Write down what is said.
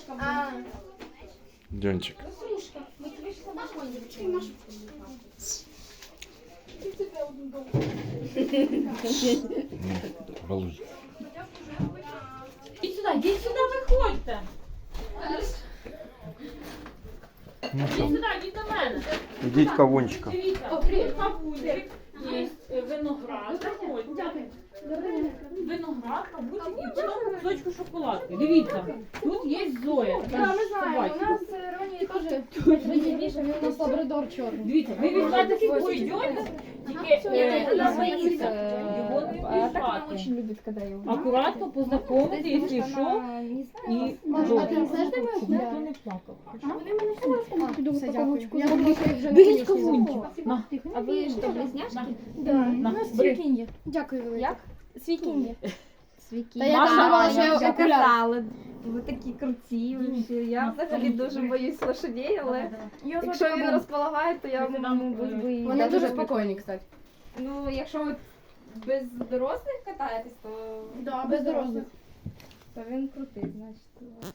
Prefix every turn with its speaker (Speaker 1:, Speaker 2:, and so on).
Speaker 1: Дьончик. Балуй.
Speaker 2: Ідіть сюди, виходьте. Ідіть сюди, ідіть до мене.
Speaker 1: Ідіть кавунчика.
Speaker 2: Дивіться, тут кавунчик, є виноград, заходьте. Виноград, кавунчик і потім кусочку шоколадки. Дивіться, тут є Зоя.
Speaker 3: Да, ми знаємо, у нас Роні теж виділіше, він у нас лабрадор чорний.
Speaker 2: Дивіться, ви візьмете свій йдете, тільки
Speaker 3: Она
Speaker 2: його
Speaker 3: боится.
Speaker 2: не
Speaker 3: Так она
Speaker 2: піжати.
Speaker 3: очень любит, когда его.
Speaker 2: Акуратно познайомити, якщо що, і
Speaker 3: А ти не знаєш, де моя
Speaker 2: ніхто
Speaker 3: куля?
Speaker 2: не плакав.
Speaker 3: Вони мене все піду по кавунчику. Я думаю, що їх вже
Speaker 2: Беріть кавунчик. На.
Speaker 3: А ви що, близняшки?
Speaker 2: На.
Speaker 3: Да,
Speaker 2: На,
Speaker 3: у нас
Speaker 2: бери.
Speaker 3: свікін'є. Дякую велике. Як? Свікін'є. Та я
Speaker 2: Маша,
Speaker 3: думала, що я окуляр.
Speaker 4: казали, ви такі круті. Я взагалі дуже боюсь лошадей, але якщо він розполагає, то я, мабуть, би...
Speaker 3: Вони дуже спокійні, кстати.
Speaker 4: Ну, якщо ви без дорослих катаєтесь, то...
Speaker 3: Да, без дорослих.
Speaker 4: То він крутий, значить.